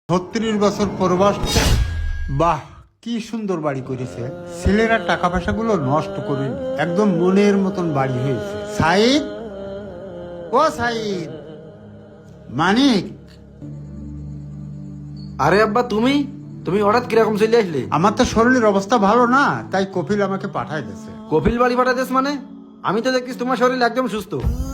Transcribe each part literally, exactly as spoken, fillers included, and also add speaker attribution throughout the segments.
Speaker 1: ছত্রিশ বছর প্রবাস। বাহ, কি সুন্দর বাড়ি করেছে। ছেলেরা টাকা পয়সাগুলো নষ্ট করেনি, একদম মনের মতন বাড়ি হয়েছে। সাইদ, ও সাইদ, মানিক।
Speaker 2: আরে আব্বা, তুমি তুমি হঠাৎ কিরকম চলে আসলে?
Speaker 1: আমার তো শরীরের অবস্থা ভালো না, তাই কপিল আমাকে পাঠায় দিয়েছে।
Speaker 2: কপিল বাড়ি পাঠাতেছ মানে? আমি তো দেখিস তোমার শরীর একদম সুস্থ।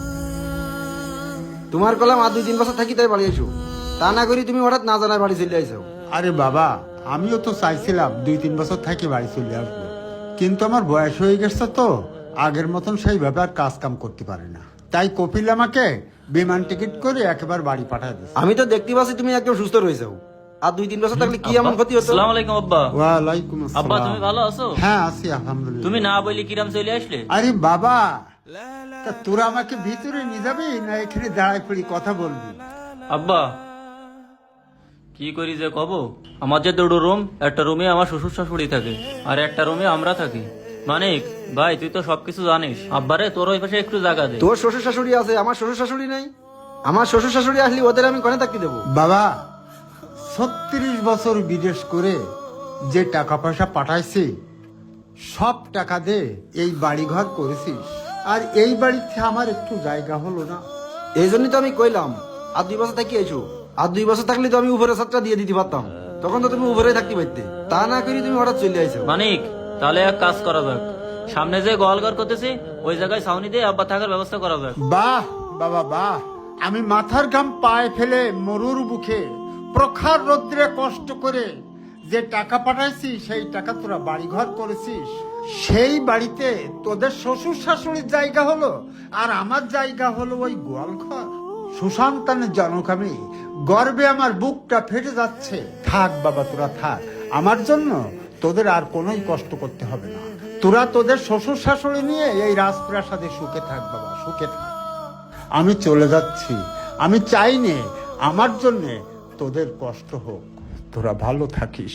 Speaker 2: তোমার কলাম আর দুই তিন বছর থাকি তাই বাড়ি আইসো, তা না করি তুমি হঠাৎ না জানায় বাড়ি চলে আইসো।
Speaker 1: আরে বাবা, আমিও তো চাইছিলাম দুই তিন বছর থাকি বাড়ি চলে আসবো, কিন্তু আমার বয়স হয়ে গেছে তো আগের মতন সেইভাবে আর কাজ কাম করতে পারে না, তাই কপিল আমাকে বিমান টিকিট করে একেবারে বাড়ি পাঠায় দিয়েছে।
Speaker 2: আমি তো দেখতে পাচ্ছি তুমি একদম সুস্থ রয়েছো, আর দুই তিন বছর থাকলে কি এমন ক্ষতি হতো?
Speaker 3: আসসালামু আলাইকুম আব্বা।
Speaker 1: ওয়ালাইকুম
Speaker 3: আব্বা
Speaker 1: আসসালাম।
Speaker 3: তুমি ভালো আছো?
Speaker 1: হ্যাঁ আছি আলহামদুলিল্লাহ।
Speaker 3: তুমি না বলি কিরাম চলে আসলে?
Speaker 1: আরে বাবা, তা তোরা আমাকে ভিতরে নিয়ে যাবি না এখানে দাঁড়ায় পড়ি কথা বলবি?
Speaker 3: আব্বা কি করি যে কব, আমার যে দুটো রুম, একটা রুমে আমার শ্বশুর শাশুড়ি থাকে আর একটা রুমে আমরা থাকি। মানিক ভাই, তুই তো সবকিছু জানিস। আব্বারে তোর ওই পাশে একটু জায়গা দে।
Speaker 2: তোর শ্বশুর শাশুড়ি আছে, আমার শ্বশুর শাশুড়ি নাই। আমার শ্বশুর শাশুড়ি আসলে ওদের আমি কনে থাকতে দেবো?
Speaker 1: বাবা, ছত্রিশ বছর বিদেশ করে যে টাকা পয়সা পাঠাইছি সব টাকা দে এই বাড়ি ঘর করেছিস, আর এই বাড়িতে আমার একটু জায়গা হলো না।
Speaker 2: এই জন্যই তো আমি কইলাম আর দুই বছর থাকি আইসো। আর দুই বছর থাকলে তো আমি উপরে ছাত্রা দিয়ে দিতে পারতাম, তখন তো তুমি উপরে থাকতে পারতে। তা না করি তুমি হঠাৎ চলে আইসো।
Speaker 3: মানিক তাহলে এক কাজ করা যাক, সামনে যে গোয়ালঘর করতেছি ওই জায়গায় ছাউনি দিয়ে আব্বা থাকার ব্যবস্থা করা যাক।
Speaker 1: বাহ বাবা বাহ, আমি মাথার ঘাম পায়ে ফেলে মরুর বুকে প্রখর রৌদ্রে কষ্ট করে যে টাকা পাঠাইছি সেই টাকা তোরা বাড়ি ঘর করেছিস, সেই বাড়িতে তোদের শ্বশুর শাশুড়ির জায়গা হলো আর আমার জায়গা হলো ওই গোয়াল ঘর। সুসন্তানের জনক আমি, গর্বে আমার বুকটা ফেটে যাচ্ছে। থাক বাবা, তোরা থাক, আমার জন্য তোদের আর কোনোই কষ্ট করতে হবে না। তোরা তোদের শ্বশুর শাশুড়ি নিয়ে এই রাজপ্রাসাদে সুখে থাক বাবা, সুখে থাক। আমি চলে যাচ্ছি, আমি চাই নে আমার জন্য তোদের কষ্ট হোক, তোরা ভালো থাকিস।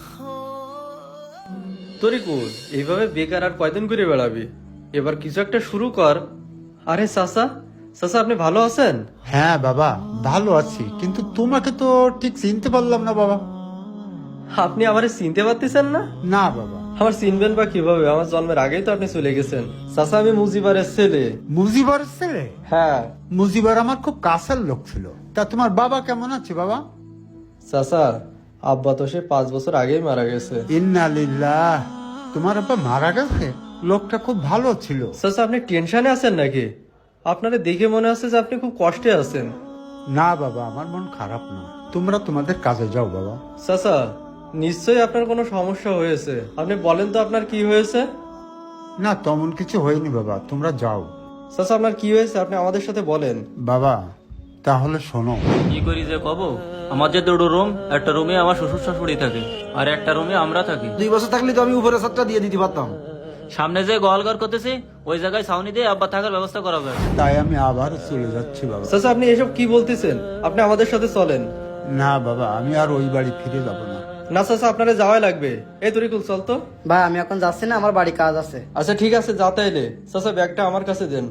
Speaker 4: তরিকুল, এইভাবে বেকার আর কয়দিন করে বেড়াবি? এবার কিছু একটা শুরু কর। আরে চাচা, চাচা আপনি ভালো আছেন?
Speaker 1: হ্যাঁ বাবা, ভালো আছি, কিন্তু তোমাকে তো ঠিক চিনতে পারলাম না বাবা।
Speaker 4: আপনি আমারে চিনতে পারতেছেন না?
Speaker 1: না বাবা।
Speaker 4: আমার চিনবেন বা কিভাবে? আমার জন্মের আগেই তো আপনি চলে গেছেন। চাচা, আমি মুজিবারের ছেলে।
Speaker 1: মুজিবার ছেলে?
Speaker 4: হ্যাঁ
Speaker 1: মুজিবার আমার খুব কাছের লোক ছিল। তা তোমার বাবা কেমন আছে বাবা?
Speaker 4: চাচা, আব্বা তো সে পাঁচ বছর আগেই মারা গেছে।
Speaker 1: ইন্না লিল্লাহ, তোমার আব্বা মারা গেছে? লোকটা খুব ভালো ছিল।
Speaker 4: চাচা, আপনি টেনশনে আছেন নাকি? আপনারে দেখে মনে হচ্ছে যে আপনি খুব কষ্টে আছেন।
Speaker 1: না বাবা, আমার মন খারাপ না, তোমরা তোমাদের কাজে যাও বাবা।
Speaker 4: চাচা, নিশ্চয়ই আপনার কোনো সমস্যা হয়েছে। আপনি বলেন তো আপনার কি হয়েছে?
Speaker 1: না, তেমন কিছু হয়নি বাবা, তোমরা যাও।
Speaker 4: চাচা, আপনার কি হয়েছে আপনি আমাদের সাথে বলেন।
Speaker 1: বাবা তাহলে শোনো।
Speaker 3: কি করি যে কব, আমার যে দুটো রুম, একটা রুমে আমার শ্বশুর শাশুড়ি থাকে আর একটা রুমে আমরা থাকি।
Speaker 2: দুই বছর থাকলে তো আমি উপরে ছাত্রা দিয়ে দিতে পারতাম।
Speaker 3: সামনে যে গোয়ালঘর করতেছি ওই জায়গায় ছাউনি দিয়ে আব্বা থাকার ব্যবস্থা করা যাক।
Speaker 1: তাই আমি আবার চলে যাচ্ছি বাবা।
Speaker 4: চাচা, আপনি এসব কি বলতেছেন? আপনি আমাদের সাথে চলেন।
Speaker 1: না বাবা, আমি আর ওই বাড়ি ফিরে যাব না।
Speaker 4: না চাচা, আপনারা যাওয়াই লাগবে। এই তরিকুল, চল তো।
Speaker 5: ভাই আমি এখন যাচ্ছি না, আমার বাড়ি কাজ আছে।
Speaker 4: আচ্ছা ঠিক আছে, যা তাইলে। চাচা, ব্যাগটা আমার কাছে দেন।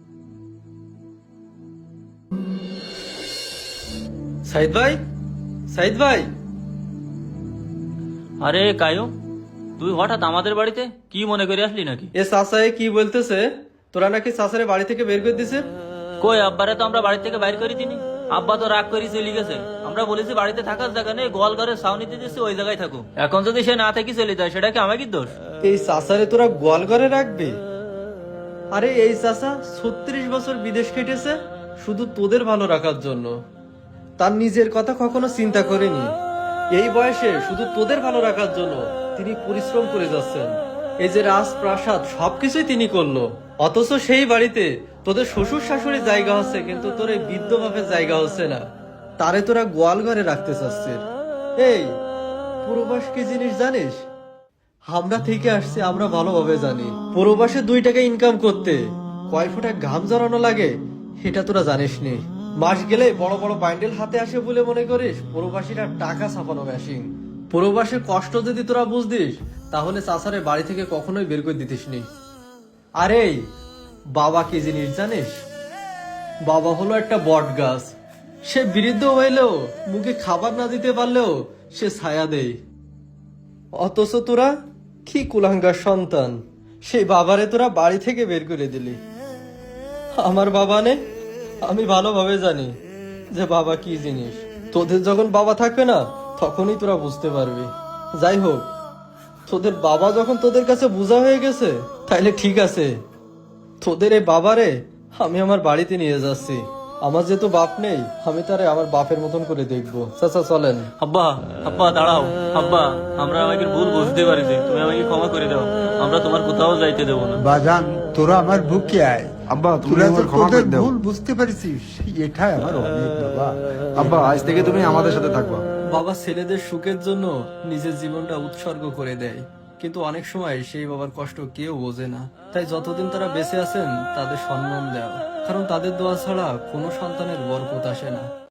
Speaker 4: সাইদ ভাই, সাইদ ভাই।
Speaker 3: আরে কায়ুম, তুই হঠাৎ আমাদের বাড়িতে কি মনে করে আসলি নাকি?
Speaker 4: এ চাচা এ কি বলতেছে? তোরা নাকি চাচারে বাড়ি থেকে বের করে দিছে?
Speaker 3: কই, আব্বারে তো আমরা বাড়ি থেকে বাইর করে দিনি। আব্বা তো রাগ করে চলে গেছে। আমরা বলেছি বাড়িতে থাকার জায়গা নেই, গোয়াল ঘরের ছাউনিতে দিচ্ছি ওই জায়গায় থাকুক। এখন যদি সে না থেকে চলে যায় সেটা কি আমাকে দোষ?
Speaker 4: এই চাচারে তোরা গোয়াল ঘরে রাখবি? আরে এই চাচা ছত্রিশ বছর বিদেশ কেটেছে শুধু তোদের ভালো রাখার জন্য। তার নিজের কথা কখনো চিন্তা করেনি। এই বয়সে শুধু তোদের ভালো রাখার জন্য তিনি পরিশ্রম করে যাচ্ছেন। এই যে রাজপ্রাসাদ সবকিছুই তিনি করলো, অথচ সেই বাড়িতে তোদের শ্বশুর শাশুড়ির জায়গা হচ্ছে, কিন্তু তোর এই বৃদ্ধ বাপের জায়গা হচ্ছে না। তারে তোরা গোয়াল ঘরে রাখতে চাচ্ছিস। এই পূর্বাস কি জিনিস জানিস? আমরা থেকে আসছি, আমরা ভালোভাবে জানি প্রবাসে দুই টাকা ইনকাম করতে কয় ফোঁটা ঘাম জড়ানো লাগে সেটা তোরা জানিস নি। মাস গেলে বড় বড় বান্ডেল হাতে আসে বলে মনে করিস প্রবাসীরা টাকা ছাপানো মেশিন। প্রবাসের কষ্ট যদি তোরা বুঝতিস তাহলে চাচারে বাড়ি থেকে কখনোই বের করে দিতিস নি। আরে বাবা কি জিনিস জানিস? বাবা হলো একটা বট গাছ। সে বৃদ্ধ হইলেও মুখে খাবার না দিতে পারলেও সে ছায়া দেয়। অথচ তোরা কি কুলাঙ্গার সন্তান, সেই বাবারে তোরা বাড়ি থেকে বের করে দিলি। আমার বাবা নে, আমি ভালোভাবে জানি যে বাবা কি জিনিস। তোদের যখন বাবা থাকবে না তখনই তোরা বুঝতে পারবি। যাই হোক, তোদের বাবা যখন তোদের কাছে বোঝা হয়ে গেছে তাইলে ঠিক আছে, তোদের এই বাবারে আমি আমার বাড়িতে নিয়ে যাচ্ছি। আমার যেহেতু বাপ নেই, আমি তারে আমার বাপের মতন করে দেখবো। চাচা চলেন।
Speaker 3: আব্বা, আব্বা দাঁড়াও। আব্বা, আমরা আমাকে ভুল বুঝতে পারিছি, তুমি আমাকে ক্ষমা করে দাও। আমরা তোমার কোথাও যাইতে দেবো না।
Speaker 1: বাজান, তোরা আমার বুকে আয়।
Speaker 2: আব্বা তুমি
Speaker 1: তোরা যে
Speaker 2: আমার ক্ষমা
Speaker 1: তোদের
Speaker 2: করে দাও।
Speaker 1: ভুল বুঝতে পারছিস, এটাই আমার অনেক বাবা।
Speaker 2: আব্বা আজ থেকে তুমি আমাদের সাথে থাকবা।
Speaker 4: বাবা ছেলেদের সুখের জন্য নিজের জীবনটা উৎসর্গ করে দেয়, কিন্তু অনেক সময় সেই বাবার কষ্ট কেউ বোঝে না। তাই যতদিন তারা বেঁচে আছেন তাদের সম্মান দেওয়া, কারণ তাদের দোয়া ছাড়া কোনো সন্তানের বরকত আসে না।